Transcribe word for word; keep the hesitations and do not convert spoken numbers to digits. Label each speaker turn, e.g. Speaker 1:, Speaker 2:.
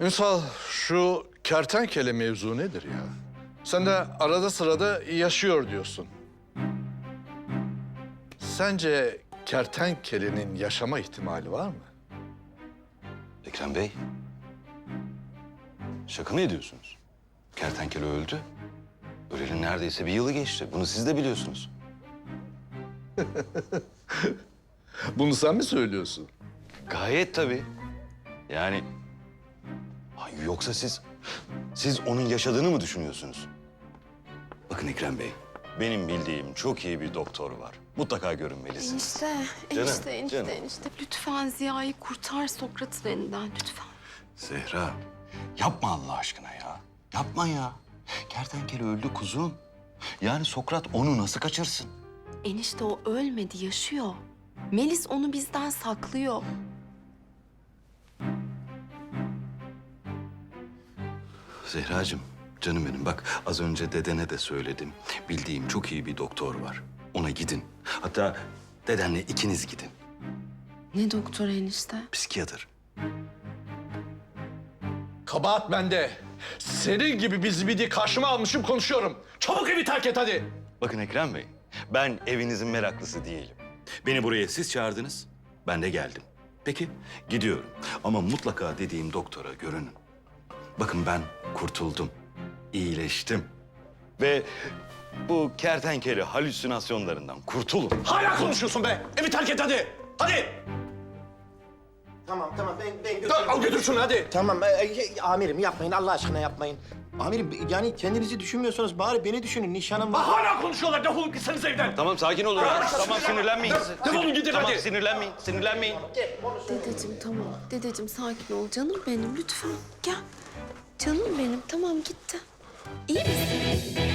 Speaker 1: Ünsal, şu kertenkele mevzu nedir ya? Sen de arada sırada yaşıyor diyorsun. Sence kertenkelenin yaşama ihtimali var mı?
Speaker 2: Ekrem Bey, şaka mı ediyorsunuz? Kertenkele öldü. Öleli neredeyse bir yılı geçti. Bunu siz de biliyorsunuz.
Speaker 1: Bunu sen mi söylüyorsun?
Speaker 2: Gayet tabii. Yani... Ay, yoksa siz... Siz onun yaşadığını mı düşünüyorsunuz? Bakın Ekrem Bey, benim bildiğim çok iyi bir doktor var. Mutlaka görünmelisiniz.
Speaker 3: Enişte,
Speaker 2: Canım,
Speaker 3: enişte, enişte,
Speaker 2: canım.
Speaker 3: enişte. Lütfen Ziya'yı kurtar Sokrat'ın elinden lütfen.
Speaker 2: Zehra, yapma Allah aşkına ya. Yapma ya. Kertenkele öldü kuzum. Yani Sokrat onu nasıl kaçırsın?
Speaker 3: Enişte o ölmedi, yaşıyor. Melis onu bizden saklıyor.
Speaker 2: Zehracığım, canım benim bak az önce dedene de söyledim. Bildiğim çok iyi bir doktor var. Ona gidin. Hatta dedenle ikiniz gidin.
Speaker 3: Ne doktor enişte?
Speaker 2: Psikiyatr.
Speaker 1: Kabahat bende. Senin gibi bir zibidi karşıma almışım, konuşuyorum. Çabuk evi terk et hadi.
Speaker 2: Bakın Ekrem Bey, ben evinizin meraklısı değilim. Beni buraya siz çağırdınız, ben de geldim. Peki, gidiyorum. Ama mutlaka dediğim doktora görünün. Bakın ben kurtuldum, iyileştim. Ve bu kertenkele halüsinasyonlarından kurtulun.
Speaker 1: Hala konuşuyorsun be. Evi terk et hadi. Hadi.
Speaker 4: Tamam tamam ben ben
Speaker 1: Dur,
Speaker 4: götürürüm.
Speaker 1: al götür şunu hadi.
Speaker 4: Tamam e, e, amirim yapmayın Allah aşkına yapmayın. Amirim yani kendinizi düşünmüyorsanız bari beni düşünün nişanım var.
Speaker 1: Hala konuşuyorlar. Defolup gitseniz evden.
Speaker 2: Tamam sakin olun. Tamam sinirlenmeyin.
Speaker 1: Defolun gidin
Speaker 2: Tamam
Speaker 1: hadi.
Speaker 2: sinirlenmeyin, sinirlenmeyin.
Speaker 3: Dedeciğim tamam. Dedeciğim sakin ol. Canım benim lütfen. Gel. Canım benim tamam gitti. İyi misin?